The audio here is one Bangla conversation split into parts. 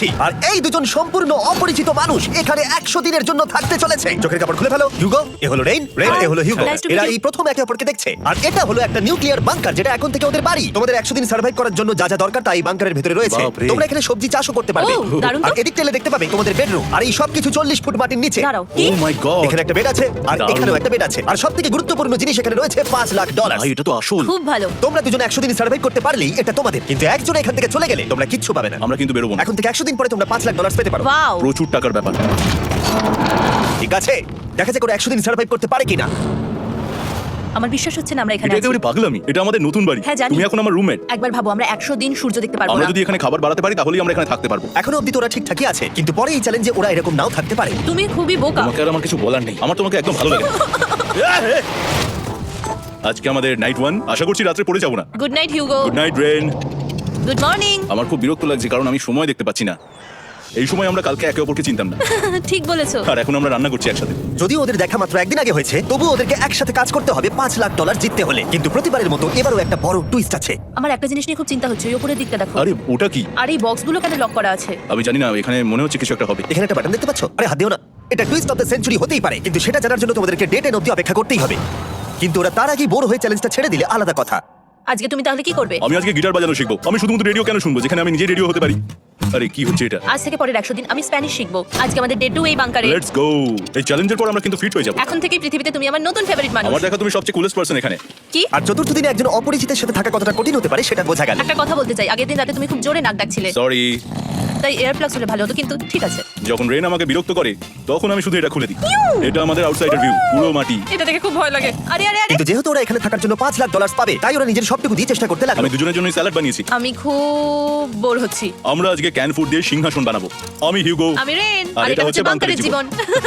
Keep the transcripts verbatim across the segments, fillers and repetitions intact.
ষষ্ঠী আর এই দুজন সম্পূর্ণ অপরিচিত মানুষ এখানে একশো দিনের জন্য থাকতে চলেছে। চোখের কাপড় খুলে ফেলো। হিউগো এ হলো রেইন, রেইন এ হলো হিউগো। Nice to meet এরা you. এই প্রথম একে অপরকে দেখছে আর এটা হলো একটা নিউক্লিয়ার বাংকার যেটা এখন থেকে ওদের বাড়ি। তোমাদের একশো দিন সার্ভাইভ করার জন্য যা যা দরকার তাই বাংকারের ভিতরে রয়েছে। বাপরে। তোমরা এখানে সবজি চাষও করতে পারবে। ও, দারুণ তো। আর এদিক টেলে দেখতে পাবে তোমাদের বেডরুম আর এই সবকিছু চল্লিশ ফুট মাটির নিচে। দাঁড়াও ও কি মাই গড, এখানে একটা বেড আছে আর দারুণ। এখানেও একটা বেড আছে আর সবথেকে গুরুত্বপূর্ণ জিনিস এখানে রয়েছে পাঁচ লাখ ডলার। ভাই এটা তো আসল। খুব ভালো। তোমরা দুজন একশো দিন সার্ভাইভ করতে পারলেই এটা তোমাদের, কিন্তু একজন এখান থেকে চলে গেলে তোমরা কিচ্ছু পাবে না। আমরা কিন্তু বেরোবো না, এখন থেকে একশো দিন পরে তোমরা পাঁচ লাখ ডলার পেতে পারো। ওয়াও প্রচুর টাকার ব্যাপার। ঠিক আছে, দেখা যাক ওরা একশো দিন সার্ভাইভ করতে পারে কিনা। আমার বিশ্বাস হচ্ছে না আমরা এখানে এটা আছি। একেবারে পাগলামি। এটা আমাদের নতুন বাড়ি, হ্যাঁ, জানি। তুমি এখন আমার রুমমেট। একবার ভাবো আমরা একশো দিন সূর্য দেখতে পারবো আমরা না। যদি এখানে খাবার বাড়াতে পারি তাহলেই আমরা এখানে থাকতে পারবো। এখনো অব্দি তো ওরা ঠিকঠাকই আছে, কিন্তু পরে এই চ্যালেঞ্জে ওরা এরকম নাও থাকতে পারে। তুমি খুবই বোকা। তোমাকে আর আমার কিছু বলার নেই, আমার তোমাকে একদম ভালো লাগে না। আজকে আমাদের নাইট ওয়ান, আশা করছি রাত্রে পড়ে যাবো না। Good night Hugo. Good night Ren. Good morning. আমার খুব বিরক্ত লাগছে কারণ আমি সময় দেখতে পাচ্ছি না। এই সময় আমরা কালকে একে অপরকে চিনতাম না, ঠিক বলেছো। আর এখন আমরা রান্না করছি একসাথে। যদিও ওদের দেখা মাত্র একদিন আগে হয়েছে, তবুও ওদেরকে একসাথে কাজ করতে হবে পাঁচ লাখ ডলার জিততে হলে। কিন্তু প্রতিবারের মতো এবারও একটা বড় টুইস্ট আছে। আমার একটা জিনিস নিয়ে খুব চিন্তা হচ্ছে, ওই উপরের দিকটা দেখো। আরে ওটা কি? আর এই বক্সগুলো কেন লক করা আছে? আমি জানি না, এখানে মনে হচ্ছে কিছু একটা হবে। এখানে একটা বাটন দেখতে পাচ্ছ? আরে হাত দিও না। এটা টুইস্ট অফ দ্য সেঞ্চুরি হতেই পারে, কিন্তু সেটা জানার জন্য তোমাদেরকে ডেট এন অব্দি অপেক্ষা করতেই হবে। কিন্তু ওরা তার আগেই বোর হয়ে চ্যালেঞ্জটা ছেড়ে দিলে আলাদা কথা। আজকে তুমি তাহলে কি করবে? আমি আজকে গিটার বাজানো শিখবো। আমি শুধুমাত্র রেডিও কেন শুনবো যেখানে আমি নিজে রেডিও হতে পারি? আরে কি হচ্ছে এটা? আজ থেকে পরের একশো দিন আমি স্প্যানিশ শিখবো। আজকে আমাদের ডে টু এই বাংকারে। Let's go. এই চ্যালেঞ্জের পর আমরা কিন্তু ফিট হয়ে যাবো। এখন থেকে পৃথিবীতে তুমি আমার নতুন ফেভারিট মানুষ। আমার দেখা তুমি সবচেয়ে কুলেস্ট পারসন এখানে। কি? আর চতুর্থ দিনে একজন অপরিচিতের সাথে থাকা কতটা কঠিন হতে পারে সেটা বোঝা গেল। একটা কথা বলতে চাই, আগের দিন রাতে তুমি খুব জোরে নাক ডাকছিলে, সরি। তাই এয়ার প্লাগস হলে ভালো হতো, কিন্তু ঠিক আছে। যখন রেন আমাকে বিরক্ত করে তখন আমি শুধু এটা খুলে দিই। এটা আমাদের আউটসাইডার ভিউ, পুরো মাটি। এটা দেখে খুব ভয় লাগে। আরে আরে আরে কিন্তু যেহেতু ওরা এখানে থাকার জন্য পাঁচ লাখ ডলার পাবে, তাই ওরা নিজের সবটুকু দিয়ে চেষ্টা করতে লাগলো। আমি দুজনের জন্য স্যালাড বানিয়েছি। আমি খুব বোর হচ্ছি। আমরা আজকে ক্যান ফুড দিয়ে সিংহাসন বানাবো। আমি হিউগো। আমি রেন, আর আর এটা হচ্ছে বাংকারের জীবন।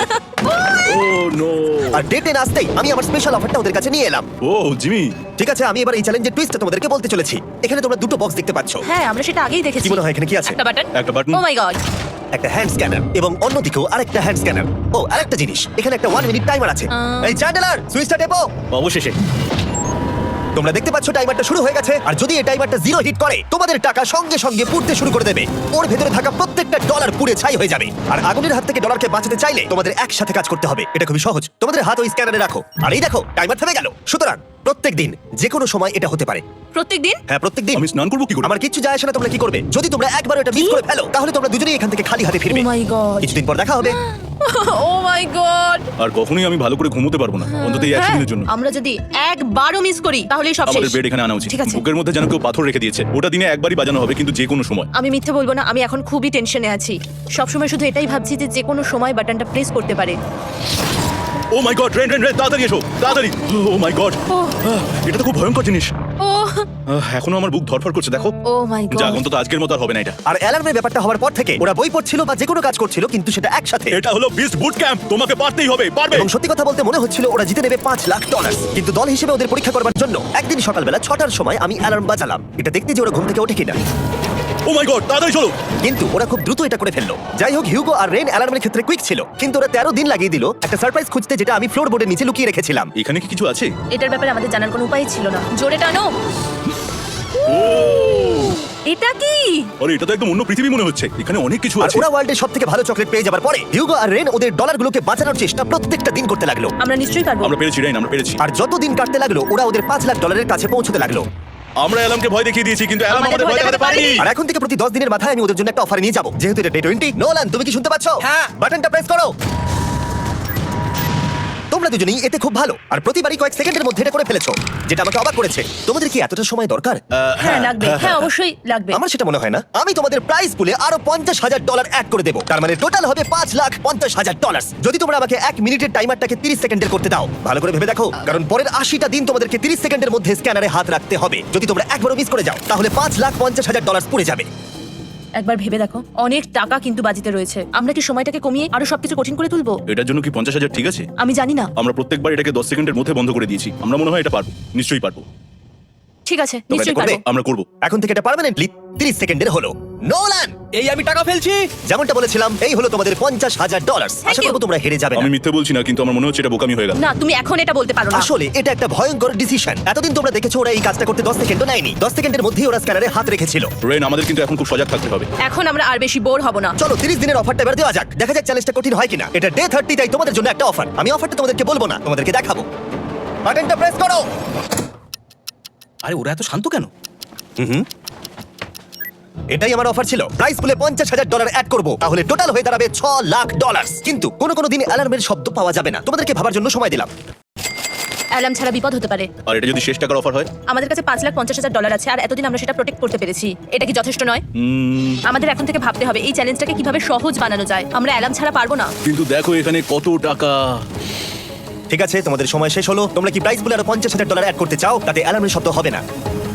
Oh no. আর ডেট এন আসতেই আমি আমার স্পেশাল অফারটা ওদের কাছে নিয়ে এলাম। Oh Jimmy. ঠিক আছে, আমি এবার এই চ্যালেঞ্জের টুইস্টটা তোমাদেরকে বলতে চলেছি। এখানে তোমরা দুটো বক্স দেখতে পাচ্ছ। হ্যাঁ, আমরা সেটা আগেই দেখেছি। কি মনে হয় এখানে কি আছে? একটা বাটন। একটা বাটন। Oh my god. একটা হ্যান্ড স্ক্যানার এবং অন্যদিকেও আরেকটা হ্যান্ড স্ক্যানার। ও আরেকটা জিনিস, এখানে একটা ওয়ান মিনিট টাইমার আছে। আহ। এই চ্যান্ডেলার, সুইচটা টেপো। অবশেষে। তোমরা দেখতে পাচ্ছ টাইমারটা শুরু হয়ে গেছে, আর যদি এই টাইমারটা জিরো হিট করে তোমাদের টাকা সঙ্গে সঙ্গে পুড়তে শুরু করে দেবে। ওর ভেতরে থাকা প্রত্যেকটা ডলার পুড়ে ছাই হয়ে যাবে। আর আগুনের হাত থেকে ডলারকে বাঁচাতে চাইলে তোমাদের একসাথে কাজ করতে হবে। এটা খুবই সহজ। তোমাদের হাত ওই স্ক্যানারে রাখো, আর এই দেখো টাইমার থেমে গেল। সুতরাং প্রত্যেক দিন যে কোনো সময় এটা হতে পারে। প্রত্যেকদিন? হ্যাঁ, প্রত্যেক দিন। আমি স্নান করবো কি করে? আমার কিচ্ছু যায় আসে না তোমরা কি করবে। যদি তোমরা একবার এটা মিস করে ফেলো তাহলে তোমরা দুজনেই এখান থেকে খালি হাতে ফিরবে। Oh my god. কিছুদিন পর দেখা হবে। ও মাই গড। আর কখনোই আমি ভালো করে ঘুমোতে পারবো না, অন্তত এই একশো দিনের জন্য। আমরা যদি একবারও মিস করি তাহলেই সব আমাদের শেষ। বেড এখানে আনা উচিত। ঠিক আছে। বুকের মধ্যে যেন কেউ পাথর রেখে দিয়েছে। ওটা দিনে একবারই বাজানো হবে, কিন্তু যে কোনো সময়। আমি মিথ্যে বলবো না, আমি এখন খুবই টেনশনে আছি। সবসময় শুধু এটাই ভাবছি যে যে কোনো সময় বাটনটা প্রেস করতে পারে। Oh my god, Ren Ren Ren, তাড়াতাড়ি এসো, তাড়াতাড়ি। ও মাই গড, ও এটা তো খুব ভয়ঙ্কর জিনিস। ও আহ, এখনো আমার বুক ধরফর করছে, দেখো। ও মাই যাক, গড। অন্তত আজকের মতো আর হবে না এটা। আর অ্যালার্মের ব্যাপারটা হওয়ার পর থেকে ওরা বই পড়ছিল বা যে কোনো কাজ করছিল, কিন্তু সেটা একসাথে। এটা হলো বিস্ট বুট ক্যাম্প, তোমাকে পারতেই হবে, পারবে। এবং সত্যি কথা বলতে মনে হচ্ছিল ওরা জিতে নেবে পাঁচ লাখ ডলার। কিন্তু দল হিসেবে ওদের পরীক্ষা করবার জন্য একদিন সকালবেলা ছটার সময় আমি অ্যালার্ম বাজালাম, এটা দেখতে যে ওরা ঘুম থেকে ওঠে কিনা। ও মাই গড, তাড়াতাড়ি চলো। কিন্তু ওরা খুব দ্রুত এটা করে ফেললো। যাই হোক, হিউগো আর রেন অ্যালার্মের ক্ষেত্রে কুইক ছিল, কিন্তু ওরা তেরো দিন লাগিয়ে দিল একটা সারপ্রাইজ খুঁজতে, যেটা আমি ফ্লোর বোর্ডের নিচে লুকিয়ে রেখেছিলাম। এখানে কি কিছু আছে? এটার ব্যাপারে আমাদের জানার কোনো উপায় ছিল না। জোরে টানো। ও এটা কি? আরে, এটা তো একদম অন্য পৃথিবী মনে হচ্ছে। এখানে অনেক কিছু আর আছে। ওরা ওয়ার্ল্ডের সব থেকে ভালো চকলেট পেয়ে যাবার পরে হিউগো আর রেন ওদের ডলারগুলোকে বাঁচানোর চেষ্টা প্রত্যেকটা দিন করতে লাগলো। আমরা নিশ্চয়ই পারবো। আমরা পেরেছি, রেন, আমরা পেরেছি। আর যত দিন কাটতে লাগলো ওরা ওদের পাঁচ লাখ ডলারের কাছে পৌঁছতে লাগলো। আমরা অ্যালামকে ভয় দেখিয়ে দিয়েছি, কিন্তু অ্যালাম আমাদের আমাদের ভয় ভয় দেখাতে দেখাতে পারেনি। পারেনি। আর এখন থেকে প্রতি দশ দিনের মাথায় আমি ওদের জন্য একটা অফার নিয়ে যাবো, যেহেতু এটা ডে টোয়েন্টি। নোলান, তুমি কি শুনতে পাচ্ছ? হ্যাঁ। বাটনটা প্রেস করো। তোমরা দুজনেই এতে খুব ভালো, আর প্রতিবারই কয়েক সেকেন্ডের মধ্যে এটা করে ফেলেছো, যেটা আমাকে অবাক করেছে। তোমাদের কি এতটা সময় দরকার? হ্যাঁ লাগবে, হ্যাঁ অবশ্যই লাগবে। আমার সেটা মনে হয় না। আমি তোমাদের প্রাইস পুলে আরো পঞ্চাশ হাজার ডলার অ্যাড করে দেবো, তার মানে টোটাল হবে পাঁচ লাখ পঞ্চাশ হাজার ডলার। যদি তোমরা আমাকে এক মিনিটের টাইমারটাকে তিরিশ সেকেন্ডের করতে দাও। ভালো করে ভেবে দেখো, কারণ পরের আশিটা দিন তোমাদেরকে তিরিশ সেকেন্ডের মধ্যে স্ক্যানারে হাত রাখতে হবে। যদি তোমরা একবারও মিস করে যাও তাহলে পাঁচ লাখ পঞ্চাশ হাজার ডলার পড়ে যাবে। একবার ভেবে দেখো, অনেক টাকা কিন্তু বাজিতে রয়েছে। আমরা কি সময়টাকে কমিয়ে আরো সবকিছু কঠিন করে তুলবো? এটার জন্য কি পঞ্চাশ হাজার ঠিক আছে? আমি জানি না। আমরা প্রত্যেকবার এটাকে দশ সেকেন্ডের মধ্যে বন্ধ করে দিয়েছি। আমরা মনে হয় এটা পারবো, নিশ্চয়ই পারবো। ঠিক আছে, তোমরা এটা নিশ্চয়ই করবে? পারবো। আমরা করব। এখন থেকে এটা পার্মানেন্টলি তিরিশ সেকেন্ডের হলো। নোলান, এই আমি টাকা ফেলছি। যেমনটা বলেছিলাম, এই হলো তোমাদের পঞ্চাশ হাজার ডলার। Asha you. করবো তোমরা হেরে যাবে আমি না। মিথ্যে বলছি না, কিন্তু আমার মনে হচ্ছে এটা বোকামি হয়ে গেল। না, তুমি এখন এটা বলতে পারো না। আসলে এটা একটা ভয়ঙ্কর ডিসিশন। এতদিন তোমরা দেখেছো ওরা এই কাজটা করতে দশ সেকেন্ডও নেয়নি। দশ সেকেন্ডের মধ্যেই ওরা স্ক্যানারে হাত রেখেছিল। রেন, আমাদের কিন্তু এখন খুব সজাগ থাকতে হবে। এখন আমরা আর বেশি বোর হব না। চলো তিরিশ দিনের অফারটা এবার দেওয়া যাক। দেখা যাক চ্যালেঞ্জটা কঠিন হয় কিনা। এটা ডে থার্টি, তাই তোমাদের জন্য একটা অফার। আমি অফারটা তোমাদেরকে বলবো না, তোমাদেরকে দেখাবো। বাটনটা প্রেস করো। আরে ওরা এত শান্ত কেন? হুম এটাই আমার অফার ছিল। প্রাইস পুলে পঞ্চাশ হাজার ডলার অ্যাড করবো, তাহলে টোটাল হয়ে দাঁড়াবে ছ লাখ ডলার। কিন্তু কোনো কোনো দিন অ্যালার্মের শব্দ পাওয়া যাবে না। তোমাদেরকে ভাবার জন্য সময় দিলাম। অ্যালার্ম ছাড়া বিপদ হতে পারে। আর এটা যদি শেষ টাকার অফার হয়? আমাদের কাছে পাঁচ লাখ পঞ্চাশ হাজার ডলার আছে, আর এতদিন আমরা সেটা প্রোটেক্ট করতে পেরেছি। এটা কি যথেষ্ট নয়? উম, আমাদের এখন থেকে ভাবতে হবে এই চ্যালেঞ্জটাকে কিভাবে সহজ বানানো যায়। আমরা অ্যালার্ম ছাড়া পারবো না। কিন্তু দেখো এখানে কত টাকা। ঠিক আছে, তোমাদের সময় শেষ হলো। তোমরা কি প্রাইস পুলে আরো পঞ্চাশ হাজার ডলার অ্যাড করতে চাও? তাতে অ্যালার্মের শব্দ হবে না।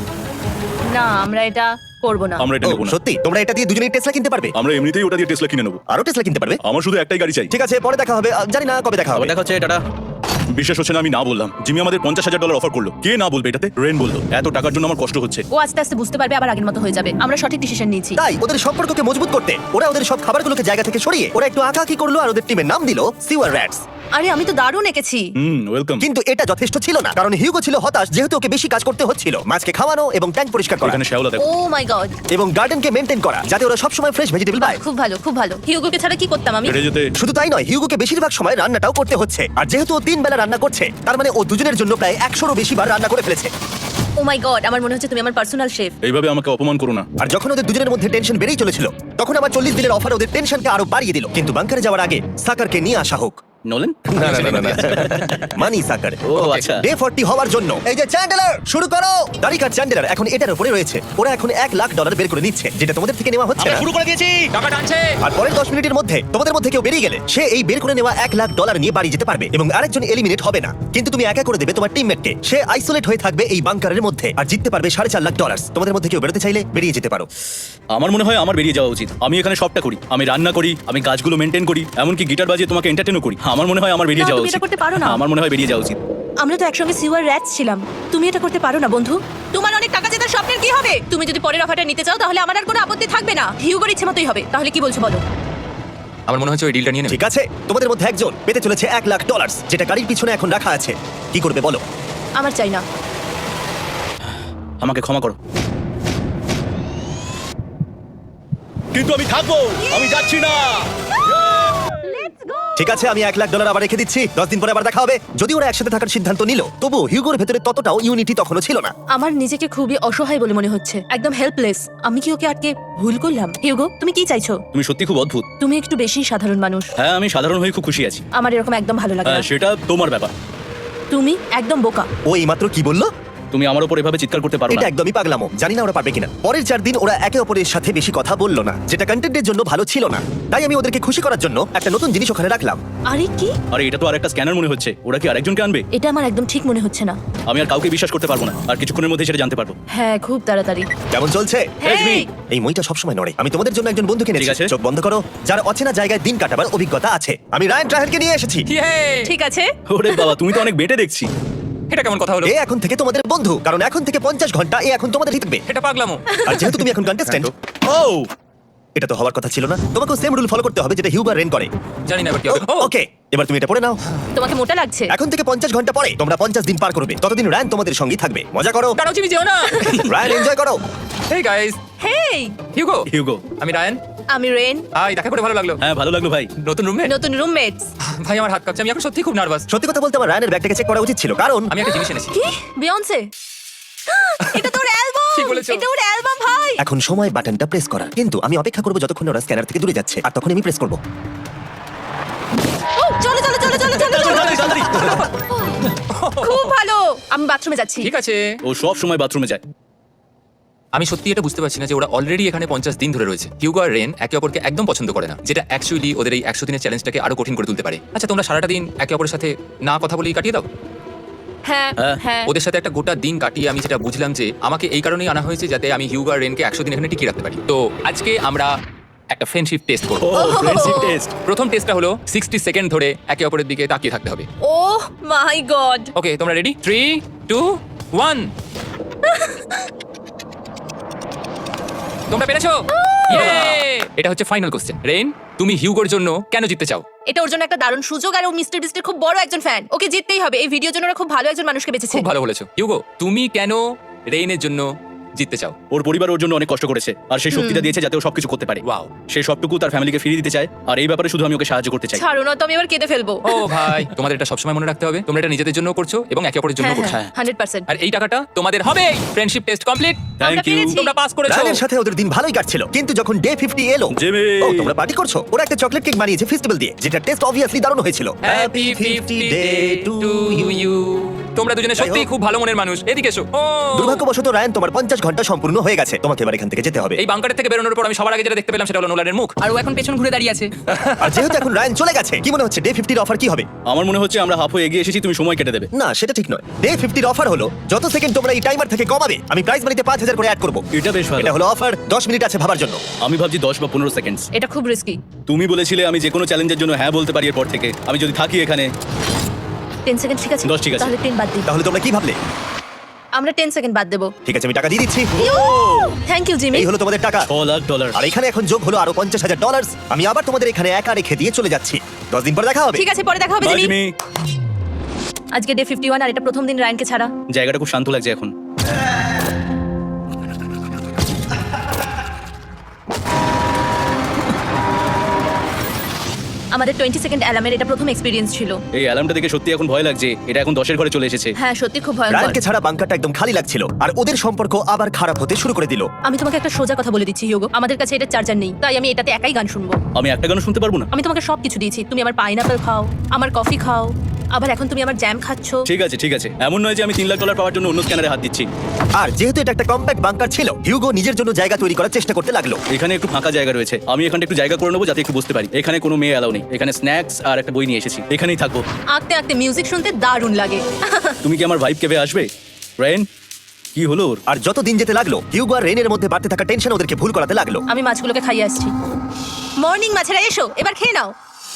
না, আমরা এটা করবো না। আমরা এটা ও, নেবো না। সত্যি? তোমরা এটা দিয়ে দুজনেই টেসলা কিনতে পারবে? আমরা এমনিতেই ওটা দিয়ে টেসলা কিনে নেবো। আরো টেসলা কিনতে পারবে? আমার শুধু একটাই গাড়ি চাই। ঠিক আছে, পরে দেখা হবে। আহ, জানি না কবে দেখা হবে। আবার দেখা হচ্ছে, টাটা। বিশ্বাস হচ্ছে না আমি না বললাম। জিমি আমাদের পঞ্চাশ হাজার ডলার অফার করলো। কে না বলবে এটাতে? রেন বললো। এত টাকার জন্য আমার কষ্ট হচ্ছে। ও আস্তে আস্তে বুঝতে পারবে, আবার আগের মতো হয়ে যাবে। আমরা সঠিক ডিসিশন নিয়েছি। তাই ওদের সম্পর্ককে মজবুত করতে ওরা ওদের সব খাবারগুলোকে জায়গা থেকে সরিয়ে ওরা একটু আঁকাআঁকি করলো আর ওদের টিমের নাম দিল সিওয়ার র্যাটস। আরে আমি তো দারুণ এঁকেছি। Hmm, welcome. কিন্তু এটা যথেষ্ট ছিল না, কারণ হিউগো ছিল হতাশ, যেহেতু ওকে বেশি কাজ করতে হচ্ছিল। মাছকে খাওয়ানো এবং ট্যাঙ্ক পরিষ্কার করা এখানে শ্যাওলা দেখো। ও মাই গড, এবং গার্ডেনকে মেনটেন করা, যাতে ওরা সবসময় ফ্রেশ ভেজিটেবল পায়। খুব ভালো, খুব ভালো। হিউগোকে ছাড়া কি করতাম আমি? হেরে যেতে। শুধু তাই নয়, হিউগোকে বেশিরভাগ সময় রান্নাটাও করতে হচ্ছে। আর যেহেতু ও তিন বেলা রান্না করছে, তার মানে ও দুজনের জন্য প্রায় একশোরও বেশি বার রান্না করে ফেলেছে। ও মাই গড, আমার মনে হচ্ছে তুমি আমার পার্সোনাল শেফ। এইভাবে আমাকে অপমান করো না। আর যখন ওদের দুজনের মধ্যে টেনশন বেড়েই চলেছিল, তখন আমার চল্লিশ দিনের অফার ওদের টেনশনকে আরো বাড়িয়ে দিল। কিন্তু বাংকারে যাওয়ার আগে সাকারকে নিয়ে আসা হোক। নোলেন? না না না না মানি সাকার। ও আচ্ছা। ডে ফর্টি হওয়ার জন্য এই যে চ্যান্ডেলার শুরু করো। দারিকার চ্যান্ডেলার এখন এটার উপরে রয়েছে। ওরা এখন এক লাখ ডলার বের করে নিচ্ছে, যেটা তোমাদের থেকে নেওয়া হচ্ছে আমরা না। শুরু করে দিয়েছি, টাকা টানছে। আর পরের দশ মিনিটের মধ্যে তোমাদের মধ্যে কেউ বেরিয়ে গেলে সে এই বের করে নেওয়া এক লাখ ডলার নিয়ে বাড়ি যেতে পারবে এবং আরেকজন এলিমিনেট হবে না। কিন্তু তুমি একা করে দেবে তোমার টিমমেটকে। সে আইসোলেট হয়ে থাকবে এই বাংকারের মধ্যে আর জিততে পারবে সাড়ে চার লাখ ডলার। তোমাদের মধ্যে কেউ বেরোতে চাইলে বেরিয়ে যেতে পারো। আমার মনে হয় আমার বেরিয়ে যাওয়া উচিত। আমি এখানে সবটা করি, আমি রান্না করি, আমি গাছগুলো মেনটেন করি, এমনকি গিটার বাজিয়ে তোমাকে এন্টারটেইনও করি। আমার মনে হয় আমার বেরিয়ে না, যাওয়া তুমি উচিত। এটা করতে পারো না। আমার মনে হয় বেরিয়ে যাওয়া উচিত। আমরা তো একসঙ্গে সিওয়ার র্যাটস ছিলাম। তুমি এটা করতে পারো না বন্ধু। তোমার অনেক টাকা জেতার স্বপ্নের কি হবে? তুমি যদি পরের অফারটা নিতে চাও, তাহলে আমার আর কোনো আপত্তি থাকবে না। হিউগোর ইচ্ছে মতোই হবে। তাহলে কি বলছো বলো? আমার মনে হচ্ছে ওই ডিলটা নিয়ে নেবে। ঠিক আছে, তোমাদের মধ্যে একজন পেতে চলেছে এক লাখ ডলার, যেটা গাড়ির পিছনে এখন রাখা আছে। কি করবে বলো? আমার চাই না। আমাকে ক্ষমা করো। কিন্তু আমি থাকবো, আমি যাচ্ছি না। ঠিক আছে, আমি এক লাখ ডলার আবার রেখে দিচ্ছি। দশ দিন পরে আবার দেখা হবে। যদি ওরা একসাথে থাকার সিদ্ধান্ত নিল, তবু হিউগোর ভেতরে ততটাও ইউনিটি তখনও ছিল না। আমার নিজেকে খুবই অসহায় বলে মনে হচ্ছে, একদম হেল্পলেস। আমি কি ওকে আটকে ভুল করলাম? হিউগো, তুমি কি চাইছো? তুমি সত্যি খুব অদ্ভুত। তুমি একটু বেশি সাধারণ মানুষ। হ্যাঁ, আমি সাধারণ হয়ে খুব খুশি আছি। আমার এরকম একদম ভালো লাগে আহ, না। সেটা তোমার ব্যাপার। তুমি একদম বোকা। ও এইমাত্র কি বললো? তুমি আমার উপর এভাবে চিৎকার করতে পারো এটা না। একদমই পাগলামো। জানি না ওরা পারবে কিনা। পরের চার দিন ওরা একে অপরের সাথে বেশি কথা বললো না, যেটা কন্টেন্টের জন্য ভালো ছিল না। তাই আমি ওদেরকে খুশি করার জন্য একটা নতুন জিনিস ওখানে রাখলাম। আরে কি? আরে এটা তো আরেকটা স্ক্যানার মনে হচ্ছে। ওরা কি আরেকজনকে আনবে? এটা আমার একদম ঠিক মনে হচ্ছে না। আমি আর কাউকে বিশ্বাস করতে পারবো না। আর কিছুক্ষণের মধ্যে সেটা জানতে পারবো। হ্যাঁ, খুব তাড়াতাড়ি। কেমন চলছে? হেই! এই মইটা সবসময় নড়ে। আমি তোমাদের জন্য একজন বন্ধুকে ঠিক এনেছি। আছে। চোখ বন্ধ করো। যার অচেনা জায়গায় দিন কাটাবার অভিজ্ঞতা আছে। আমি রায়ান ট্রাহেলকে নিয়ে এসেছি। ঠিক আছে। ওরে বাবা, তুমি তো অনেক বেটে দেখছি। এটা কেমন কথা হলো? এ এখন থেকে তোমাদের বন্ধু, কারণ এখন থেকে পঞ্চাশ ঘন্টা এ এখন তোমাদের থাকবে। এটা পাগলামো। আর যেহেতু তুমি এখন কন্টেস্ট্যান্ট, ও এটা তো হওয়ার কথা ছিল না। তোমাকেও সেম রুল ফলো করতে হবে যেটা হিউবার রেন করে। জানি না এবার কি হবে। ও ওকে, এবার তুমি এটা পড়ে নাও। তোমাকে মোটা লাগছে। এখন থেকে পঞ্চাশ ঘন্টা পরে তোমরা পঞ্চাশ দিন পার করবে। ততদিন রায়ান তোমাদের সঙ্গেই থাকবে। মজা করো, দাঁড়াও, চিমি যেও না। রায়ান এনজয় করো। Hey guys, hey, Hugo. Hugo. আমি রায়ান। আমি রেন। হাই, দেখা করে ভালো লাগলো। হ্যাঁ, ভালো লাগলো ভাই। নতুন রুমমেট। নতুন রুমমেটস। ভাই আমার হাত কাঁপছে, আমি এখন সত্যি খুব নার্ভাস। সত্যি কথা বলতে আমার রায়ানের ব্যাগটাকে চেক করা উচিত ছিল, কারণ আমি একটা জিনিস এনেছি। কি? বিয়ন্সে? এটা তোর অ্যালবাম। ঠিক বলেছো। এটা ওর অ্যালবাম ভাই। এখন সময় বাটনটা প্রেস করার। কিন্তু আমি অপেক্ষা করবো যতক্ষণ ওরা স্ক্যানার থেকে দূরে যাচ্ছে, আর তখন আমি প্রেস করবো। ও, চলো চলো চলো চলো চলো চলো। তাড়াতাড়ি, তাড়াতাড়ি। খুব ভালো। আমি বাথরুমে যাচ্ছি। ঠিক আছে। ও সব সময় বাথরুমে যায়। আমি সত্যি এটা বুঝতে পারছি না যে ওরা অলরেডি এখানে পঞ্চাশ দিন ধরে রয়েছে। হিউগো আর রেন একে অপরকে একদম পছন্দ করে না, যেটা অ্যাকচুয়ালি ওদের এই একশো দিনের চ্যালেঞ্জটাকে আরো কঠিন করে তুলতে পারে। আচ্ছা, তোমরা সারাটা দিন একে অপরের সাথে না কথা বলেই কাটিয়ে দাও। হ্যাঁ হ্যাঁ। হ্যাঁ। ওদের সাথে একটা গোটা দিন কাটিয়ে আমি যেটা বুঝলাম যে আমাকে এই কারণেই আনা হয়েছে যাতে আমি হিউগো আর রেনকে একশো দিন এখানে টিকিয়ে রাখতে পারি। তো আজকে আমরা একটা ফ্রেন্ডশিপ টেস্ট করব। Oh friendship test. প্রথম টেস্টটা হলো সিক্সটি সেকেন্ড ধরে একে অপরের দিকে তাকিয়ে থাকতে হবে। ওহ মাই গড। ওকে, তোমরা রেডি? Three two one. তোমরা পেরেছো Yay! এটা হচ্ছে ফাইনাল কোশ্চেন। রেইন, তুমি হিউগোর জন্য কেন জিততে চাও? এটা ওর জন্য একটা দারুণ সুযোগ, আর ও মিস্টার বিস্টের খুব বড় একজন ফ্যান। ওকে জিততেই হবে। এই ভিডিওর জন্য ওরা খুব ভালো একজন মানুষকে বেঁচেছে। খুব ভালো বলেছো। হিউগো, তুমি কেন রেইনের জন্য জিততে চাও? ওর পরিবার ওর জন্য অনেক কষ্ট করেছে আর সেই শক্তিটা দিয়েছে যাতে ও সবকিছু করতে পারে। ওয়াও। সে সবটুকু তার ফ্যামিলিকে ফিরিয়ে দিতে চায় আর এই ব্যাপারে শুধু আমি ওকে সাহায্য করতে চাই। ছাড়ো না, তো আমি এবার কেঁদে ফেলবো। ও ভাই, তোমাদের এটা সবসময় মনে রাখতে হবে। তোমরা এটা নিজেদের জন্য করছো এবং একে অপরের জন্য হ্যাঁ করছো। হ্যাঁ হান্ড্রেড পার্সেন্ট। আর এই টাকাটা তোমাদের হবে। Friendship test complete. Thank you. পেরেছি। তোমরা পাস করেছো। রায়ানের সাথে ওদের দিন ভালোই কাটছিল, কিন্তু যখন ডে ফিফটি এলো, জিমি। ও তোমরা পার্টি করছো। ওরা একটা চকলেট কেক বানিয়েছে ফেস্টিভ্যাল দিয়ে, যেটা টেস্ট অবভিয়াসলি দারুণ হয়েছিল। Happy fifty day to you. তোমরা দুজনে সত্যিই খুব ভালো মনের মানুষ। এদিকে এসো। ও দুর্ভাগ্যবশত রায়ান, তোমার পঞ্চাশ ঘন্টা সম্পূর্ণ হয়ে গেছে। তোমাকে এবার এখান থেকে যেতে হবে। এই বাংকারের থেকে বেরোনোর পর আমি সবার আগে যেটা দেখতে পেলাম সেটা হলো নোলানের মুখ। আর ও এখন পেছন ঘুরে দাঁড়িয়ে আছে। আর যেহেতু এখন রায়ান চলে গেছে, কি মনে হচ্ছে ডে ফিফটির অফার কি হবে? আমার মনে হচ্ছে আমরা হাফ হয়ে এগিয়ে এসেছি, তুমি সময় কেটে দেবে। না, সেটা ঠিক নয়। ডে ফিফটির অফার হলো যত সেকেন্ড তোমরা এই টাইমার থেকে কমাবে, আমি প্রাইস মানিতে পাঁচ হাজার করে অ্যাড করবো। এটা বেশ ভালো। এটা হলো অফার। দশ মিনিট আছে ভাবার জন্য। আমি ভাবছি দশ বা পনেরো সেকেন্ডস। এটা খুব রিস্কি। তুমি বলেছিলে আমি যে কোনো চ্যালেঞ্জের জন্য হ্যাঁ বলতে পারি এরপর থেকে। আমি যদি থাকি এখানে টেন সেকেন্ড ঠিক আছে? দশ ঠিক আছে। তাহলে টেন বাদ দিই। তাহলে তোমরা কি ভাবলে? আমরা টেন সেকেন্ড বাদ দেবো। ঠিক আছে, আমি টাকা দিয়ে দিচ্ছি। Thank you Jimmy. এই হলো তোমাদের টাকা। ছ লাখ ডলার। আর এখানে এখন যোগ হলো আরো পঞ্চাশ হাজার ডলার। আমি আবার তোমাদের এখানে একা রেখে দিয়ে চলে যাচ্ছি। দশ দিন পর দেখা হবে। ঠিক আছে, পরে দেখা হবে বাই জিমি। জিমি। আজকে ডে ফিফটি ওয়ান আর এটা প্রথম দিন রায়ানকে ছাড়া। জায়গাটা খুব শান্ত লাগছে এখন। আমাদের টোয়েন্টি সেকেন্ড অ্যালার্মের এটা প্রথম এক্সপিরিয়েন্স ছিল। এই অ্যালার্মটা দেখে সত্যি এখন ভয় লাগছে। এটা এখন দশের ঘরে চলে এসেছে। হ্যাঁ সত্যি খুব ভয়ঙ্কর। রায়ানকে ছাড়া বাংকারটা একদম খালি লাগছিল, আর ওদের সম্পর্ক আবার খারাপ হতে শুরু করে দিল। আমি তোমাকে একটা সোজা কথা বলে দিচ্ছি হিউগো, আমাদের কাছে এটা চার্জার নেই, তাই আমি এটাতে একাই গান শুনবো। আমি একটা গানও শুনতে পারবো না। আমি তোমাকে সব কিছু দিয়েছি। তুমি আমার পাইনাপেল খাও, আমার কফি খাও, আবার এখন তুমি আমার জ্যাম খাচ্ছো। ঠিক আছে ঠিক আছে, এমন নয় যে আমি তিন লাখ ডলার পাওয়ার জন্য অন্য স্ক্যানারে হাত দিচ্ছি। আর যেহেতু এটা একটা কম্প্যাক্ট বাংকার ছিল, হিউগো নিজের জন্য জায়গা তৈরি করার চেষ্টা করতে লাগলো। এখানে একটু ফাঁকা জায়গা রয়েছে, আমি এখানে একটু জায়গা করে নেবো যাতে একটু বসতে পারি। এখানে কোনো মেয়ে অ্যালাউ নেই। এখানে স্ন্যাক্স আর একটা বই নিয়ে এসেছি, এখানেই থাকবো। আঁকতে আঁকতে মিউজিক শুনতে দারুণ লাগে। তুমি কি আমার ভাইব কেবে আসবে? রেন, কি হলো ওর? আর যত দিন যেতে লাগলো, হিউগো আর রেনের মধ্যে বাড়তে থাকা টেনশন ওদেরকে ভুল করাতে লাগলো। আমি মাছগুলোকে খাইয়ে আসছি। মর্নিং মাছেরা এসো, এবার খেয়ে নাও।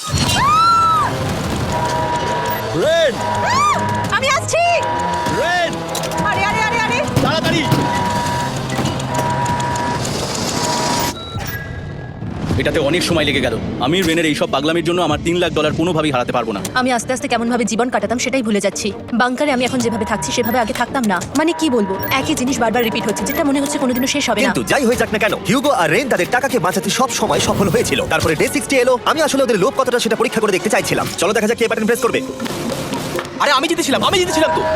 রেন, আমি আসছি। রেন, আরে আরে আরে আরে তাড়াতাড়ি। এটাতে অনেক সময় লেগে গেল। আমি রেনের এইসব পাগলামির জন্য আমার তিন লাখ ডলার কোনোভাবেই হারাতে পারবো না। আমি আস্তে আস্তে কেমন ভাবে জীবন কাটাতাম সেটাই ভুলে যাচ্ছি। বাংকারে আমি এখন যেভাবে থাকছি সেভাবে আগে থাকতাম না। মানে কি বলবো, একই জিনিস বারবার রিপিট হচ্ছে, যেটা মনে হচ্ছে কোনোদিনও শেষ হবে না। কিন্তু যাই হয়ে যাক না কেন, হিউগো আর রেন তাদের টাকাকে বাঁচাতে সব সময় সফল হয়েছিল। তারপরে ডে সিক্সটি এলো। আমি আসলে ওদের লোভ কতটা সেটা পরীক্ষা করে দেখতে চাইছিলাম। চলো দেখা যাক কে বাটন প্রেস করবে। আরে আমি জিতেছিলাম, আমি জিতেছিলাম তো।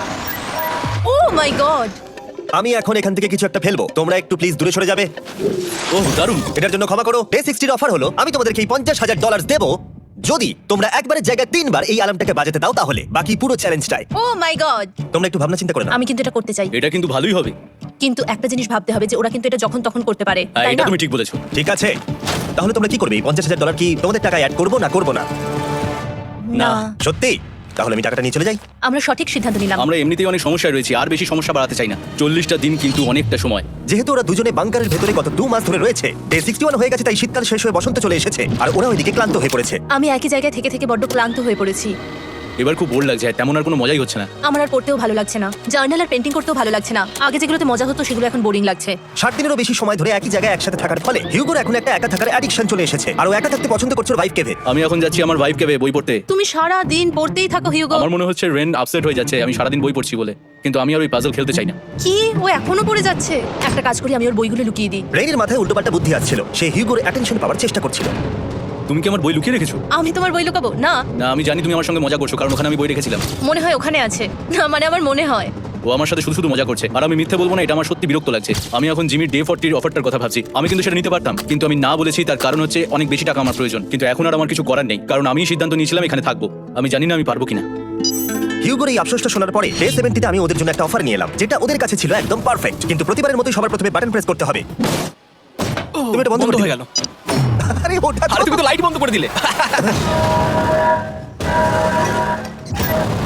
Oh my god. আমি এখন এখান থেকে কিছু একটা ফেলবো। তোমরা একটু প্লিজ দূরে সরে যাবে। ওহ দারুণ। এটার জন্য ক্ষমা করো। ডে সিক্সটির অফার হলো আমি তোমাদেরকে এই পঞ্চাশ হাজার ডলার দেবো যদি তোমরা একবারের জায়গায় তিনবার এই অ্যালার্মটাকে বাজাতে দাও, তাহলে বাকি পুরো চ্যালেঞ্জটাই। ও মাই গড। তোমরা একটু ভাবনা চিন্তা করে নাও। আমি কিন্তু এটা করতে চাই, এটা কিন্তু ভালোই হবে। কিন্তু একটা জিনিস ভাবতে হবে যে ওরা কিন্তু এটা যখন তখন করতে পারে, হ্যাঁ, তাই এটা না? তুমি ঠিক বলেছো। ঠিক আছে, তাহলে তোমরা কি করবে? এই পঞ্চাশ হাজার ডলার কি তোমাদের টাকায় অ্যাড করবো না করবো না? না, সত্যি? তাহলে আমি টাকাটা নিয়ে চলে যাই। আমরা সঠিক সিদ্ধান্ত নিলাম। আমরা এমনিতেই অনেক সমস্যায় রয়েছি, আর বেশি সমস্যা বাড়াতে চাই না। চল্লিশটা দিন কিন্তু অনেকটা সময়। যেহেতু ওরা দুজনে বাংকারের ভেতরে গত দু মাস ধরে রয়েছে, ডে সিক্সটি ওয়ান হয়ে গেছে, তাই শীতকাল শেষ হয়ে বসন্ত চলে এসেছে, আর ওরা ওইদিকে ক্লান্ত হয়ে পড়েছে। আমি একই জায়গায় থেকে থেকে বড্ড ক্লান্ত হয়ে পড়েছি। এবার খুব বোর লাগছে, তেমন আর কোনো মজাই হচ্ছে না। আমার আর পড়তেও ভালো লাগছে না, জার্নাল আর পেন্টিং করতেও ভালো লাগছে না। আগে যেগুলোতে মজা হতো সেগুলো এখন বোরিং লাগছে। ষাট দিনেরও বেশি সময় ধরে একই জায়গায় একসাথে থাকার ফলে হিউগোর এখন একটা একা থাকার অ্যাডিকশন চলে এসেছে, আর ও একা থাকতে পছন্দ করছে ওর ওয়াইফকে। আমি এখন যাচ্ছি আমার ভাইফ কেবে বই পড়তে। তুমি সারা দিন পড়তেই থাকো হিউগো। আমার মনে হচ্ছে রেন আপসেট হয়ে যাচ্ছে আমি সারাদিন বই পড়ছি বলে, কিন্তু আমি আর ওই পাজল খেলতে চাই না। কি ও এখনো পড়ে যাচ্ছে? একটা কাজ করি, আমি ওর বইগুলো লুকিয়ে দিই। রেইনের মাথায় উল্টোপাল্টা বুদ্ধি আসছিল। সে হিউগোর অ্যাটেনশন পাওয়ার চেষ্টা করছিল। তুমি কি আমার বই লুকিয়ে রেখেছো? আমি তোমার বই লুকাবো না। না, আমি জানি তুমি আমার সঙ্গে মজা করছো, কারণ ওখানে আমি বই রেখেছিলাম। মনে হয় ওখানে আছে। না মানে আমার মনে হয়। ও আমার সাথে শুধু শুধু মজা করছে, আর আমি মিথ্যে বলবো না, এটা আমার সত্যি বিরক্ত লাগছে। আমি এখন জিমির ডে ফর্টির অফারটার কথা ভাবছি। আমি কিন্তু সেটা নিতে পারতাম, কিন্তু আমি না বলেছি। তার কারণ হচ্ছে অনেক বেশি টাকা আমার প্রয়োজন, কিন্তু এখন আর আমার কিছু করার নেই, কারণ আমি সিদ্ধান্ত নিয়েছিলাম এখানে থাকবো। আমি জানি না আমি পারবো কিনা। হিউগোর এই আফসোসটা শোনার পরে ডে সেভেন্টিতে আমি ওদের জন্য একটা অফার নিয়ে এলাম, যেটা ওদের কাছে ছিল একদম পারফেক্ট। কিন্তু প্রতিবারের মতোই সবার প্রথমে বাটন প্রেস করতে হবে। তুমি এটা বন্ধ করে হয়ে দিলে। গেল। আরে ওটা আরে তুমি তো লাইট বন্ধ করে দিলে।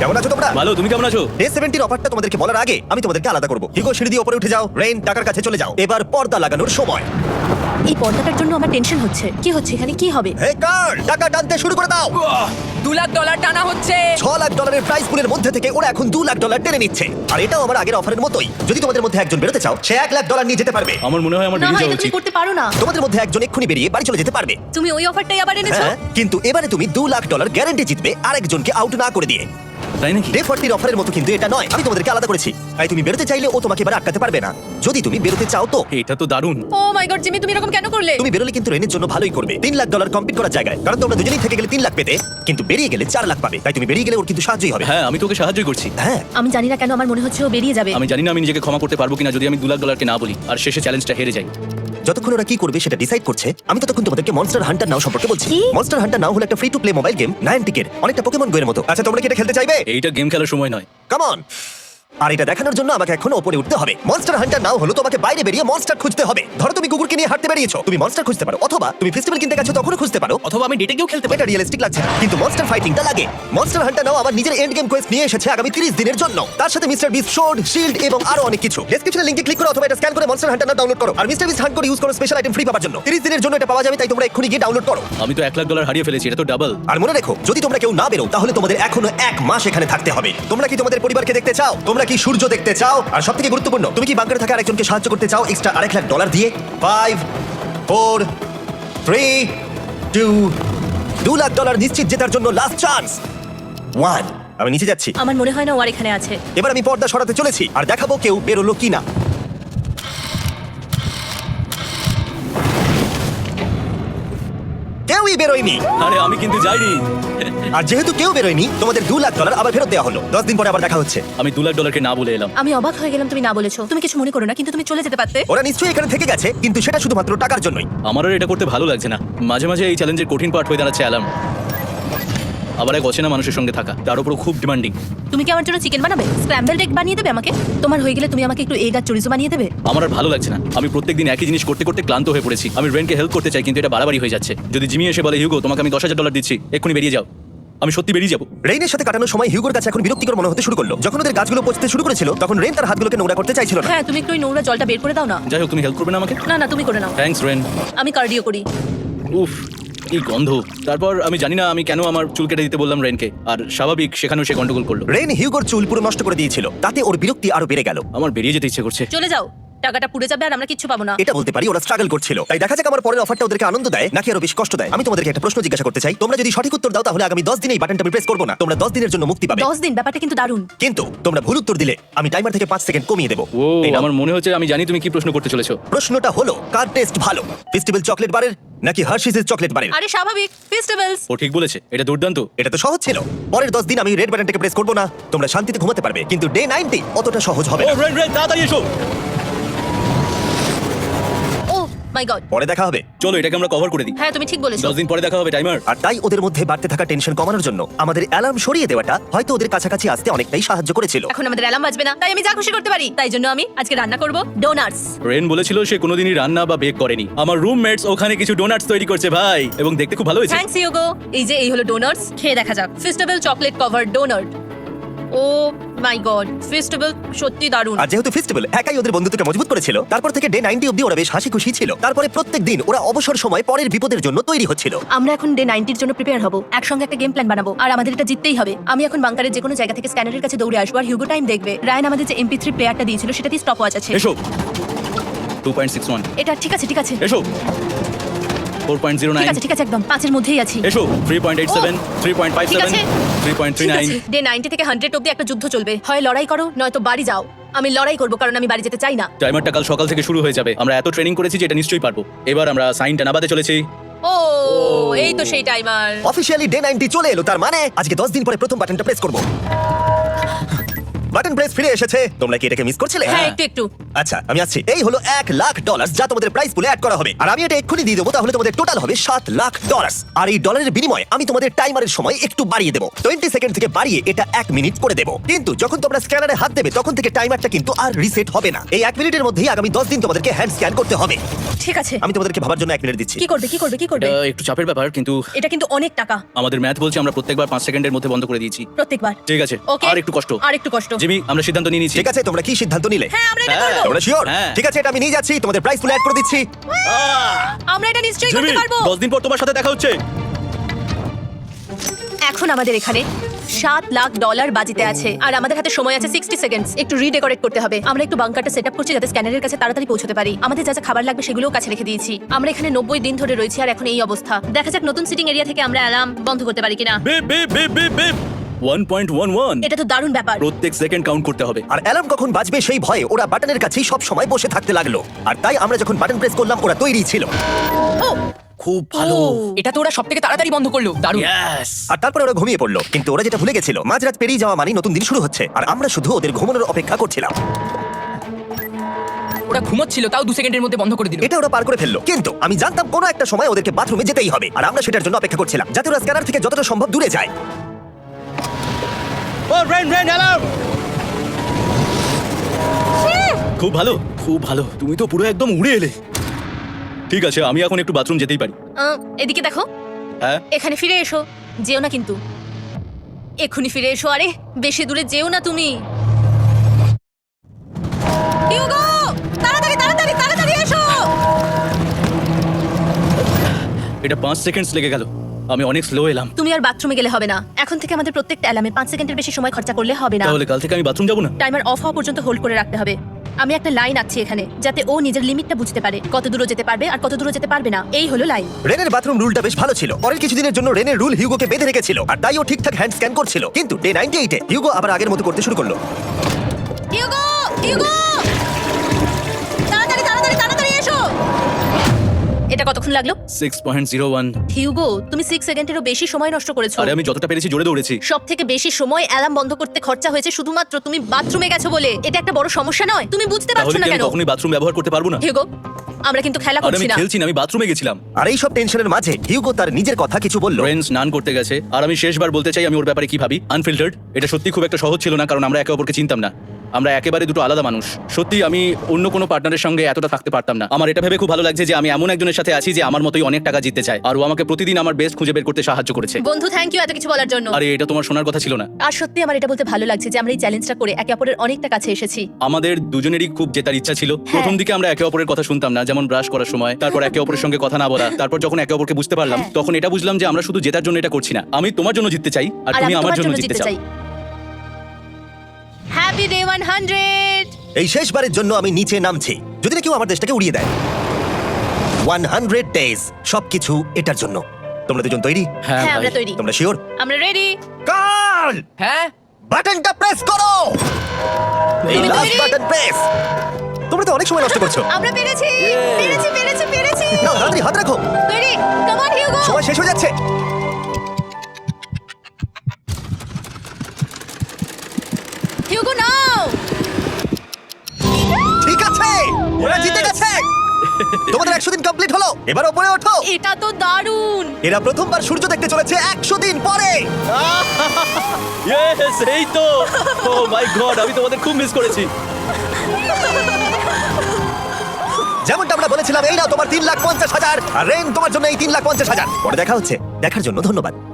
কেমন আছো তোমরা? ভালো, তুমি কেমন আছো? ডে সেভেন্টির অফারটা তোমাদেরকে বলার আগে আমি তোমাদেরকে আলাদা করবো। হিগো সিঁড়ি দিয়ে উপরে উঠে যাও, রেন টাকার কাছে চলে যাও। এবার পর্দা লাগানোর সময়। এই পর্দাটার জন্য আমার টেনশন হচ্ছে। কি হচ্ছে এখানে, কি হবে? হে কার, টাকা টানতে শুরু করে দাও। দু লাখ ডলার টানা হচ্ছে। ছ লাখ ডলারের প্রাইস পুলের মধ্যে থেকে ওরা এখন দু লাখ ডলার টেনে নিচ্ছে। আর এটাও আমার আগের অফারের মতোই। যদি তোমাদের মধ্যে একজন বেরোতে চাও, সে এক লাখ ডলার নিয়ে যেতে পারবে। আমার মনে হয় আমার না বেরিয়ে হয় যাওয়া এটা তুমি উচিত। করতে পারো না। তোমাদের মধ্যে একজন এক্ষুনি বেরিয়ে বাড়ি চলে যেতে পারবে। তুমি ওই অফারটাই আবার এনেছো। হ্যাঁ, কিন্তু এবারে তুমি দু লাখ ডলার গ্যারান্টি জিতবে আরেকজনকে আউট না করে দিয়ে। তাই নাকি? ডে ফর্টির অফারের মতো কিন্তু এটা নয়। আমি তোমাদেরকে আলাদা করেছি, তাই তুমি বেরোতে চাইলে ও তোমাকে এবার আটকাতে পারবে না। যদি তুমি বেরোতে চাও তো এটা তো দারুণ। ও মাই গড জিমি, তুমি এরকম কেন করলে? তুমি বেরোলে কিন্তু রেনের জন্য ভালোই করবে। তিন লাখ ডলার কম্পিট করার জায়গায়, কারণ তোমরা দুজনেই থেকে গেলে তিন লাখ পেতে, কিন্তু বেরিয়ে গেলে চার লাখ পাবে। তাই তুমি বেরিয়ে গেলে ওর কিন্তু সাহায্যই হবে। হ্যাঁ, আমি তোকে সাহায্যই করছি। হ্যাঁ, আমি জানি না কেন আমার মনে হচ্ছে ও বেরিয়ে যাবে। আমি জানি না আমি নিজেকে ক্ষমা করতে পারবো কিনা যদি আমি দু লাখ ডলারকে না বলি আর শেষে চ্যালেঞ্জটা হেরে যাই। যতক্ষণ ওরা কি করবে সেটা ডিসাইড করছে, আমি ততক্ষণ তোমাদেরকে মনস্টার হান্টার নাও সম্পর্কে বলছি। কি? মনস্টার হান্টার নাও হলো একটা free to play mobile game, নাইনটিকের অনেকটা পোকেমন গোয়ের মতো। আচ্ছা, তোমরা কি এটা খেলতে চাইবে? এইটা গেম খেলার সময় নয়। Come on. আর এটা দেখানোর জন্য আমাকে এখন উপরে উঠতে হবে। মনস্টার হান্টার নাও হলো তোমাকে বাইরে বেরিয়ে মনস্টার খুঁজতে হবে। ধরো তুমি কুকুরকে নিয়ে হাঁটতে বেরিয়েছো, তুমি মনস্টার খুঁজতে পারো, অথবা তুমি ফেস্টিভ্যাল কিনতে গেছো তখনও খুঁজতে পারো, অথবা আমি ডেটে গিয়েও খেলতে পারি। এটা রিয়েলিস্টিক লাগছে না, কিন্তু মনস্টার ফাইটিংটা লাগে। মনস্টার হান্টার নাও আমার নিজের এন্ড গেম কোয়েস্ট নিয়ে এসেছে আগামী তিরিশ দিনের জন্য। তার সাথে মিস্টার বিস্ট শোর্ড, শিল্ড এবং আরো অনেক কিছু। ডেসক্রিপশনে লিংকে ক্লিক করো অথবা এটা স্ক্যান করে মনস্টার হান্টার নাও ডাউনলোড করো। আর মিস্টার বিস্ট হান্ট করে ইউজ করো স্পেশাল আইটেম ফ্রি পাওয়ার জন্য। তিরিশ দিনের জন্য এটা পাওয়া যাবে, তাই তোমরা এক্ষুনি গিয়ে ডাউনলোড করো। আমি তো এক লাখ ডলার হারিয়ে ফেলেছি, এটা তো ডাবল। আর মনে রেখো, যদি তোমরা কেউ না বেরো তাহলে তোমাদের এখনো এক মাস এখানে থাকতে হবে। তোমরা কি তোমাদের পরিবারকে দেখতে চাও? তোমরা কি সূর্য দেখতে চাও? আর সবথেকে গুরুত্বপূর্ণ, তুমি কি বাংকারে থাকা আরেকজনকে সাহায্য করতে চাও এক্সট্রা আরেক লাখ ডলার দিয়ে? ফাইভ, ফোর, থ্রি, টু, দু লাখ ডলার নিশ্চিত জেতার জন্য লাস্ট চান্স। ওয়ান। আমি নিচে যাচ্ছি। আমার মনে হয় না ও আর এখানে আছে। এবার আমি পর্দা সরাতে চলেছি আর দেখাবো কেউ বেরোলো কিনা। কেউই বেরোয়নি। আরে আমি কিন্তু যাইনি। আর যেহেতু কেউ বেরোয়নি, তোমাদের দু লাখ ডলার আবার ফেরত দেওয়া হলো। দশ দিন পরে আবার দেখা হচ্ছে। আমি দু লাখ ডলারকে না বলে এলাম। আমি অবাক হয়ে গেলাম তুমি না বলেছো। তুমি কিছু মনে করো না, কিন্তু তুমি চলে যেতে পারতে। ওরা নিশ্চয়ই এখানে থেকে গেছে, কিন্তু সেটা শুধুমাত্র টাকার জন্যই। আমার আর এটা করতে ভালো লাগছে না। মাঝে মাঝে এই চ্যালেঞ্জের কঠিন পার্ট হয়ে দাঁড়াচ্ছে অ্যালার্ম। আবার এক অচেনা মানুষের সঙ্গে থাকা, তার উপর খুব ডিমান্ডিং। তুমি কি আমার জন্য চিকেন বানাবে? স্ক্র্যাম্বলড এগ বানিয়ে দেবে আমাকে? তোমার হয়ে গেলে তুমি আমাকে একটু এগ আর চরিজো বানিয়ে দেবে? আমার আর ভালো লাগছে না। আমি প্রত্যেকদিন একই জিনিস করতে করতে ক্লান্ত হয়ে পড়েছি। আমি রেনকে হেল্প করতে চাই, কিন্তু এটা বাড়াবাড়ি হয়ে যাচ্ছে। যদি জিমি এসে বলে হিউগো তোমাকে আমি দশ হাজার ডলার দিচ্ছি, এক্ষুনি বেরিয়ে যাও, আমি সত্যি বেরিয়ে যাবো। রেইনের সাথে কাটানোর সময় হিউগোর কাছে এখন বিরক্তিকর মনে হতে শুরু করলো। যখন ওদের গাছগুলো পচতে শুরু করেছিল, তখন রেন তার হাতগুলোকে নোংরা করতে চাইছিল না। হ্যাঁ, তুমি একটু ওই নোংরা জলটা বের করে দাও না। যাই হোক, তুমি হেল্প করবে না আমাকে? না না, তুমি করে নাও। Thanks Ren. আমি কার্ডিও করি। উফ, কি গন্ধ। তারপর আমি জানি না আমি কেন আমার চুল কেটে দিতে বললাম রেনকে, আর স্বাভাবিক সেখানেও সে গন্ডগোল করলো। রেন হিউগোর চুল পুরো নষ্ট করে দিয়েছিল, তাতে ওর বিরক্তি আরো বেড়ে গেল। আমার বেরিয়ে যেতে ইচ্ছে করছে। চলে যাও, টাকাটা পুড়ে যাবে আর আমরা কিচ্ছু পাবো না। এটা বলতে পারি ওরা স্ট্রাগল করছিল। তাই দেখা যাক আমার পরের অফারটা ওদেরকে আনন্দ দেয় নাকি আরো বেশি কষ্ট দেয়। আমি তোমাদেরকে একটা প্রশ্ন জিজ্ঞাসা করতে চাই। তোমরা যদি সঠিক উত্তর দাও তাহলে আগামী দশ দিনে এই বাটনটা আমি প্রেস করবো না। তোমরা দশ দিনের জন্য মুক্তি পাবে। দশ দিন, ব্যাপারটা কিন্তু দারুণ। কিন্তু তোমরা ভুল উত্তর দিলে আমি টাইমার থেকে পাঁচ সেকেন্ড কমিয়ে দেবো। ও, এই নাও। আমার মনে হচ্ছে আমি জানি তুমি কি প্রশ্ন করতে চলেছো। প্রশ্নটা হলো, কার টেস্ট ভালো, ফেস্টিভ্যাল চকলেট বারের নাকি হার্শিসের চকলেট বারের? আরে স্বাভাবিক, ফেস্টিভ্যালস। ও ঠিক বলেছে, এটা দুর্দান্ত। এটা তো সহজ ছিল। পরের দশ দিন আমি রেড বাটনটাকে প্রেস করবো না, তোমরা শান্তিতে ঘুমাতে পারবে। কিন্তু ডে নাইনটি অতটা সহজ হবে ও না। রেন রেন, তাড়াতাড়ি এসো। Oh my god. পরে দেখা হবে। চলো এটাকে আমরা কভার করে দিই। হ্যাঁ, তুমি ঠিক বলেছো। দশ দিন পরে দেখা হবে টাইমার। আর তাই ওদের মধ্যে বাড়তে থাকা টেনশন কমানোর জন্য আমাদের অ্যালার্ম সরিয়ে দেওয়াটা হয়তো ওদের কাছাকাছি আসতে অনেকটাই সাহায্য করেছিল। এখন আমাদের অ্যালার্ম বাজবে না, তাই আমি যা খুশি করতে পারি। তাই জন্য আমি আজকে রান্না করব ডোনাটস। রেন বলেছিল সে কোনোদিনই রান্না বা বেক করেনি। আমার রুমমেটস ওখানে কিছু ডোনাটস তৈরি করছে ভাই, এবং দেখতে খুব ভালো হয়েছে। Thanks Hugo. এই যে এই হলো ডোনাটস, খেয়ে দেখা যাক। Festival chocolate cover donut. Oh my god, festival সত্যি দারুণ। আর যেহেতু ফেস্টিভ্যাল একাই ওদের বন্ধুত্বকে মজবুত করেছিল, তারপর থেকে ডে নাইনটি অব্দি ওরা বেশ হাসি খুশি ছিল। তারপরে প্রত্যেক দিন ওরা অবসর সময় পরের বিপদের জন্য তৈরি হচ্ছিল। আমরা এখন ডে নাইনটির জন্য প্রিপেয়ার হব, একসঙ্গে একটা গেম প্ল্যান বানাবো, আর আমাদের এটা জিততেই হবে। আমি এখন বাংকারের যে কোনো জায়গা থেকে স্ক্যানারের কাছে দৌড়ে আসবো, আর হিউগো টাইম দেখবে। রায়ান আমাদের যে এমপি থ্রি প্লেয়ারটা দিয়েছিল সেটাতে স্টপ ওয়াচ আছে। এসো। Two point six one. এটা ঠিক আছে, ঠিক আছে, এসো। ফোর পয়েন্ট জিরো ঠিক নাইন। আছে, ঠিক আছে, একদম পাঁচের মধ্যেই আছি। এসো। Three point eight seven, three point five ঠিক সেভেন, আছে। থ্রি পয়েন্ট থ্রি ঠিক নাইন। আছে, ডে নাইনটি থেকে হান্ড্রেড অব্দি একটা যুদ্ধ চলবে। হয় লড়াই করো, নয়তো বাড়ি যাও। আমি লড়াই করবো, কারণ আমি বাড়ি যেতে চাই না। টাইমারটা কাল সকাল থেকে শুরু হয়ে যাবে। আমরা এত ট্রেনিং করেছি যে এটা নিশ্চয়ই পারবো। এবার আমরা সাইনটা নামাতে চলেছি। ও এই তো সেই টাইমার। অফিসিয়ালি ডে নাইনটি চলে এলো, তার মানে আজকে দশ দিন পরে প্রথম বাটনটা প্রেস করব। বাটন প্রেস ফিরে এসেছে। তোমরা কি এটাকে মিস করছিলে? হ্যাঁ একটু একটু আচ্ছা আমি আসছি। এই হলো এক লাখ ডলার যা তোমাদের প্রাইস পুলে অ্যাড করা হবে, আর আমি এটা এক্ষুনি দিয়ে দেবো। তাহলে তোমাদের টোটাল হবে সাত লাখ ডলার। আর এই ডলারের বিনিময়ে আমি তোমাদের টাইমারের সময় একটু বাড়িয়ে দেবো, টোয়েন্টি সেকেন্ড থেকে বাড়িয়ে এটা এক মিনিট করে দেবো। কিন্তু যখন তোমরা স্ক্যানারে হাত দেবে তখন থেকে টাইমারটা কিন্তু আর রিসেট হবে না। এই এক মিনিটের মধ্যেই আগামী দশ দিন তোমাদেরকে হ্যান্ড স্ক্যান করতে হবে। ঠিক আছে। আমি তোমাদেরকে ভাবার জন্য এক মিনিট দিচ্ছি। কি করবে কি করবে কি করবে? এটা একটু চাপের ব্যাপার, কিন্তু এটা কিন্তু অনেক টাকা আমাদের ম্যাথ বলছে আমরা প্রত্যেকবার পাঁচ সেকেন্ডের মধ্যে বন্ধ করে দিয়েছি। প্রত্যেকবার। ঠিক আছে, ওকে আর একটু কষ্ট। আর একটু কষ্ট। জিমি, আমরা সিদ্ধান্ত নিয়ে নিয়েছি। ঠিক আছে, তোমরা কি সিদ্ধান্ত নিলে? হ্যাঁ আমরা এটা হ্যাঁ। করব। তোমরা শিওর? হ্যাঁ। ঠিক আছে, এটা আমি নিয়ে যাচ্ছি, তোমাদের প্রাইস পুলে অ্যাড করে দিচ্ছি। আমরা এটা নিশ্চয়ই জিমি, করতে পারবো। দশ দিন পর তোমার সাথে দেখা হচ্ছে। এখন আমাদের এখানে সাত লাখ ডলার বাজিতে আছে আর আমাদের হাতে সময় আছে সিক্সটি সেকেন্ডস। একটু রিডেকোরেট করতে হবে। আমরা একটু বাংকারটা সেটআপ করছি যাতে স্ক্যানারের কাছে তাড়াতাড়ি পৌঁছতে পারি। আমাদের যা যা খাবার লাগবে সেগুলোও কাছে রেখে দিয়েছি। আমরা এখানে নব্বই দিন ধরে রয়েছি আর এখন এই অবস্থা। দেখা যাক নতুন সিটিং এরিয়া থেকে আমরা অ্যালার্ম বন্ধ করতে পারি কিনা। Beep beep beep beep beep one point one one. এটা তো দারুণ ব্যাপার। প্রত্যেক সেকেন্ড কাউন্ট করতে হবে। আর অ্যালার্ম কখন বাজবে সেই ভয়ে ওরা বাটনের কাছেই সব সময় বসে থাকতে লাগলো। আর তাই আমরা যখন বাটন প্রেস করলাম ওরা তৈরি ছিল। ও খুব ভালো। ও। এটা তো ওরা সব থেকে তাড়াতাড়ি বন্ধ করলো। দারুণ। ইয়েস। আর তারপরে ওরা ঘুমিয়ে পড়লো। কিন্তু ওরা যেটা ভুলে গেছিল, মাঝরাত পেরিয়ে যাওয়া মানে নতুন দিন শুরু হচ্ছে, আর আমরা শুধু ওদের ঘুমানোর অপেক্ষা করছিলাম। ওরা ঘুমোচ্ছিল তাও দু সেকেন্ডের মধ্যে বন্ধ করে দিল। এটা ওরা পার করে ফেললো, কিন্তু আমি জানতাম কোনো একটা সময় ওদেরকে বাথরুমে যেতেই হবে, আর আমরা সেটার জন্য অপেক্ষা করছিলাম যাতে ওরা স্ক্যানার থেকে যতটা সম্ভব দূরে যায়। Oh Ren Ren alarm. খুব ভালো, খুব ভালো। তুমি তো পুরো একদম উড়ে এলে। ঠিক আছে, আমি এখন একটু বাথরুম যেতেই পারি। আহ, এদিকে দেখো। হ্যাঁ, এখানে ফিরে এসো। যেও না কিন্তু। এক্ষুনি ফিরে এসো। আরে বেশি দূরে যেও না তুমি। হিউগো তাড়াতাড়ি তাড়াতাড়ি তাড়াতাড়ি এসো। এটা পাঁচ সেকেন্ডস লেগে গেল। আমি অনেক স্লো এলাম। তুমি আর বাথরুমে গেলে হবে না। এখন থেকে আমাদের প্রত্যেকটা অ্যালার্মে পাঁচ সেকেন্ডের বেশি সময় খরচা করলে হবে না। তাহলে কাল থেকে আমি বাথরুম যাবো না? টাইমার অফ হওয়া পর্যন্ত হোল্ড করে রাখতে হবে। আমি একটা লাইন আঁকছি এখানে যাতে ও নিজের লিমিটটা বুঝতে পারে, কত দূর যেতে পারবে আর কত দূর যেতে পারবে না। এই হলো লাইন। রেনের বাথরুম রুলটা বেশ ভালো ছিল। পরের কিছুদিনের জন্য রেনের রুল হিউগোকে বেঁধে রেখেছিল, আর তাই ও ঠিকঠাক হ্যান্ড স্ক্যান করছিল। কিন্তু ডে নাইনটি এইটে হিউগো আবার আগের মতো করতে শুরু করলো। হিউগো হিউগো তাড়াতাড়ি তাড়াতাড়ি তাড়াতাড়ি এসো। এটা কতক্ষণ লাগলো? Six point zero one. Hugo তুমি সিক্স সেকেন্ডেরও বেশি সময় নষ্ট করেছো। আরে আমি যতটা পেরেছি জোরে দৌড়েছি। সব থেকে বেশি সময় অ্যালার্ম বন্ধ করতে খরচা হয়েছে শুধুমাত্র তুমি বাথরুমে গেছো বলে। এটা একটা বড় সমস্যা নয়? তুমি বুঝতে পারছো তাহলে না কি আমি কেন? কখনোই বাথরুম ব্যবহার করতে পারবো না? হিউগো আমরা কিন্তু খেলা আর আমি করছি না। খেলছি না, আমি বাথরুমে গেছিলাম। আর এই সব টেনশনের মাঝে হিউগো তার নিজের কথা কিছু বললো। রেন স্নান করতে গেছে, আর আমি শেষবার বলতে চাই আমি ওর ব্যাপারে কি ভাবি। আনফিল্টার্ড। এটা সত্যি খুব একটা সহজ ছিল না, কারণ আমরা একে অপরকে চিনতাম না। আমরা একেবারে দুটো আলাদা মানুষ। সত্যি আমি অন্য কোনো পার্টনারের সঙ্গে এতটা থাকতে পারতাম না। আমার এটা ভেবে খুব ভালো লাগছে যে আমি এমন একজনের সাথে আছি যে আমার মতোই অনেক টাকা জিততে চায়, আর ও আমাকে প্রতিদিন আমার বেস্ট খুঁজে বের করতে সাহায্য করেছে। বন্ধু থ্যাংক ইউ এত কিছু বলার জন্য। আরে এটা তোমার শোনার কথা ছিল না। আর সত্যি আমার এটা বলতে ভালো লাগছে যে আমরা এই চ্যালেঞ্জটা করে একে অপরের অনেকটা কাছে এসেছি। আমাদের দুজনেরই খুব জেতার ইচ্ছা ছিল। প্রথম দিকে আমরা একে অপরের কথা শুনতাম না, যেমন ব্রাশ করার সময়, তারপর একে অপরের সঙ্গে কথা না বলা। তারপর যখন একে অপরকে বুঝতে পারলাম, হ্যাঁ। তখন এটা বুঝলাম যে আমরা শুধু জেতার জন্য এটা করছি না। আমি তোমার জন্য জিততে চাই, আর আর তুমি আমি আমার তোমার জন্য জন্য জিততে জিততে চাও। চাই। Happy day one hundred. এই শেষবারের জন্য আমি নিচে নামছি, যদি না কেউ আমার দেশটাকে উড়িয়ে দেয়। ওয়ান হান্ড্রেড ডেজ, সবকিছু এটার জন্য। তোমরা দুজন তৈরি? হ্যাঁ হ্যাঁ আমরা ভাই। তৈরি। তোমরা শিওর? আমরা রেডি। কার্ল, হ্যাঁ বাটনটা প্রেস করো। এই তুমি লাস্ট তৈরি? Button press. তোমরা তো অনেক সময় নষ্ট করছো। আমরা পেরেছি পেরেছি পেরেছি পেরেছি। নাও তাড়াতাড়ি হাত রাখো, তৈরি? Come on Hugo. সময় শেষ হয়ে যাচ্ছে। Hugo now. ঠিক আছে, ওরা জিতে গেছে। তোমাদের একশো দিন কমপ্লিট হলো, এবার ওপরে ওঠো। এটা তো দারুণ। এরা প্রথমবার সূর্য দেখতে চলেছে একশো দিন পরে। ইয়েস, এই তো। ও মাই গড, আমি তোমাদের খুব মিস করেছি। যেমনটা আমরা বলেছিলাম, এই নাও তোমার তিন লাখ পঞ্চাশ হাজার, আর রেন তোমার জন্য এই তিন লাখ পঞ্চাশ হাজার। পরে দেখা হচ্ছে, দেখার জন্য ধন্যবাদ।